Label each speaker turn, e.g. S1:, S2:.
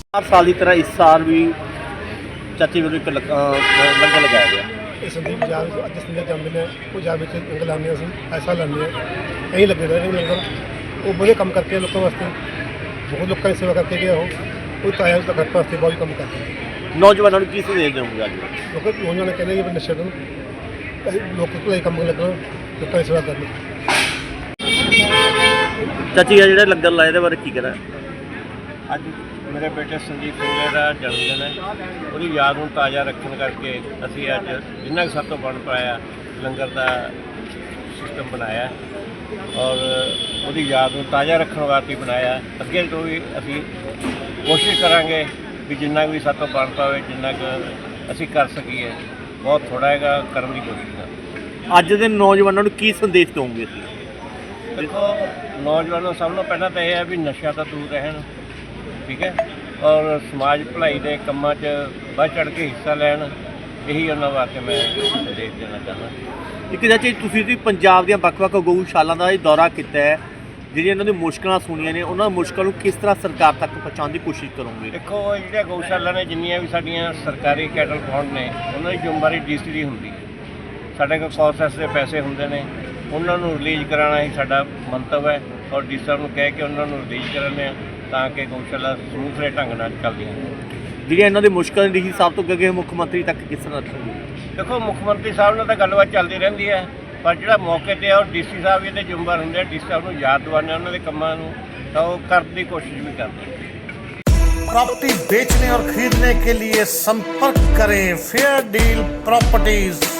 S1: हर साल की तरह इस साल भी चाची ਵੱਲੋਂ ਇੱਕ ਲੰਗਰ ਲਗਾਇਆ ਗਿਆ।
S2: ਇਹ ਸੰਦੀਪ ਪੰਜਾਬ ਅੱਜ ਸੰਦੀਪ ਜਾਂਦੇ ਨੇ ਪੰਜਾਬ ਵਿੱਚ ਲੰਗਰ ਲਾਉਂਦੇ ਅਸੀਂ ਐਸਾ ਲਾਉਂਦੇ ਹਾਂ ਕਈ ਲੱਗੇ ਰਹੇ ਨੇ ਲੰਗਰ ਉਹ ਬੜੇ ਕੰਮ ਕਰਕੇ ਲੋਕਾਂ ਵਾਸਤੇ ਬਹੁਤ ਲੋਕਾਂ ਦੀ ਸੇਵਾ ਕਰਕੇ ਗਿਆ ਉਹ ਤਾਇਆ ਦਾ ਘਰ ਵਾਸਤੇ ਬਹੁਤ ਕੰਮ ਕਰਦੇ
S1: ਨੌਜਵਾਨਾਂ ਨੂੰ ਕੀ ਸੰਦੇਸ਼ ਦੇਵੋਗੇ ਅੱਜ?
S2: ਲੋਕ ਉਹਨਾਂ ਨੇ ਕਹਿੰਦੇ ਕਿ ਨਸ਼ੇ ਨੂੰ ਲੋਕ ਭਲਾਈ ਕੰਮ ਲੱਗਣਾ ਲੋਕਾਂ ਦੀ ਸੇਵਾ ਕਰਨੀ।
S1: ਚਾਚੀ ਆ ਜਿਹੜਾ ਲੰਗਰ ਲਾਇਆ ਇਹਦੇ ਬਾਰੇ ਕੀ ਕਹਿਣਾ?
S3: ਅੱਜ ਮੇਰੇ ਬੇਟੇ ਸੰਜੀਤ ਸਿੰਘਲੇ ਦਾ ਜਨਮ ਦਿਨ ਹੈ। ਉਹਦੀ ਯਾਦ ਨੂੰ ਤਾਜ਼ਾ ਰੱਖਣ ਕਰਕੇ ਅਸੀਂ ਅੱਜ ਜਿੰਨਾ ਕੁ ਸਾਡੇ ਤੋਂ ਬਣ ਪਾਇਆ ਲੰਗਰ ਦਾ ਸਿਸਟਮ ਬਣਾਇਆ ਔਰ ਉਹਦੀ ਯਾਦ ਨੂੰ ਤਾਜ਼ਾ ਰੱਖਣ ਵਾਸਤੇ ਬਣਾਇਆ। ਅੱਗੇ ਤੋਂ ਵੀ ਅਸੀਂ ਕੋਸ਼ਿਸ਼ ਕਰਾਂਗੇ ਵੀ ਜਿੰਨਾ ਵੀ ਸਾਡੇ ਤੋਂ ਬਣ ਪਾਵੇ ਜਿੰਨਾ ਕੁ ਅਸੀਂ ਕਰ ਸਕੀਏ ਬਹੁਤ ਥੋੜ੍ਹਾ ਹੈਗਾ ਕਰਨ ਦੀ ਕੋਸ਼ਿਸ਼ ਕਰਾਂਗੇ।
S1: ਅੱਜ ਦੇ ਨੌਜਵਾਨਾਂ ਨੂੰ ਕੀ ਸੰਦੇਸ਼ ਦੇਵੋਗੇ?
S3: ਦੇਖੋ ਨੌਜਵਾਨਾਂ ਸਭ ਤੋਂ ਪਹਿਲਾਂ ਤਾਂ ਇਹ ਹੈ ਵੀ ਨਸ਼ਾ ਤੋਂ ਦੂਰ ਰਹਿਣ, ਠੀਕ ਹੈ, ਔਰ ਸਮਾਜ ਭਲਾਈ ਦੇ ਕੰਮਾਂ 'ਚ ਵੱਧ ਚੜ੍ਹ ਕੇ ਹਿੱਸਾ ਲੈਣ। ਇਹੀ ਉਹਨਾਂ ਵਾਸਤੇ ਮੈਂ ਸੰਦੇਸ਼ ਦੇਣਾ ਚਾਹੁੰਦਾ।
S1: ਇੱਕ ਚਾਚੀ ਤੁਸੀਂ ਵੀ ਪੰਜਾਬ ਦੀਆਂ ਵੱਖ-ਵੱਖ ਗਊਸ਼ਾਲਾ ਦਾ ਇਹ ਦੌਰਾ ਕੀਤਾ ਹੈ, ਜਿਹੜੀਆਂ ਇਹਨਾਂ ਦੀ ਮੁਸ਼ਕਲਾਂ ਸੁਣੀਆਂ ਨੇ ਉਹਨਾਂ ਮੁਸ਼ਕਲਾਂ ਨੂੰ ਕਿਸ ਤਰ੍ਹਾਂ ਸਰਕਾਰ ਤੱਕ ਪਹੁੰਚਾਉਣ ਦੀ ਕੋਸ਼ਿਸ਼ ਕਰੋਗੇ?
S3: ਦੇਖੋ ਜਿਹੜੀਆਂ ਗਊਸ਼ਾਲਾ ਨੇ ਜਿੰਨੀਆਂ ਵੀ ਸਾਡੀਆਂ ਸਰਕਾਰੀ ਕੈਟਲ ਫਾਰਮ ਨੇ ਉਹਨਾਂ ਦੀ ਜ਼ਿੰਮੇਵਾਰੀ ਡੀਸੀ ਦੀ ਹੁੰਦੀ ਹੈ। ਸਾਡੇ ਕੋਲ ਪ੍ਰੋਸੈਸ ਦੇ ਪੈਸੇ ਹੁੰਦੇ ਨੇ ਉਹਨਾਂ ਨੂੰ ਰਿਲੀਜ਼ ਕਰਾਉਣਾ ਹੀ ਸਾਡਾ ਮੰਤਵ ਹੈ ਔਰ ਡੀ ਸਾਹਿਬ ਨੂੰ ਕਹਿ ਕੇ ਉਹਨਾਂ ਨੂੰ ਰਿਲੀਜ਼ ਕਰਾਉਂਦੇ ਹਾਂ ਤਾਂ ਕਿ ਗਊਸ਼ਾਲਾ ਸਮੂਥਲੇ ਢੰਗ ਨਾਲ ਚੱਲਦੀਆਂ ਨੇ।
S1: ਜਿਹੜੀਆਂ ਇਹਨਾਂ ਦੀ ਮੁਸ਼ਕਲਾਂ ਡੀ ਸਾਹਿਬ ਤੋਂ ਅੱਗੇ ਮੁੱਖ ਮੰਤਰੀ ਤੱਕ ਕਿਸ ਤਰ੍ਹਾਂ ਰੱਖੋਗੇ?
S3: ਦੇਖੋ ਮੁੱਖ ਮੰਤਰੀ ਸਾਹਿਬ ਨਾਲ ਤਾਂ ਗੱਲਬਾਤ ਚੱਲਦੀ ਰਹਿੰਦੀ ਹੈ ਪਰ ਜਿਹੜਾ ਮੌਕੇ 'ਤੇ ਆ ਉਹ ਡੀਸੀ ਸਾਹਿਬ ਇਹਦੇ ਜ਼ਿੰਮੇਵਾਰ ਹੁੰਦੇ ਆ। ਡੀਸੀ ਸਾਹਿਬ ਨੂੰ ਯਾਦ ਦਿਵਾਉਂਦੇ ਉਹਨਾਂ ਦੇ ਕੰਮਾਂ ਨੂੰ ਤਾਂ ਉਹ ਕਰਨ ਦੀ ਕੋਸ਼ਿਸ਼ ਵੀ ਕਰਦੇ ਆ।
S4: प्रॉपर्टी बेचने और खरीदने के लिए संपर्क करें फेयर डील प्रॉपर्टीज।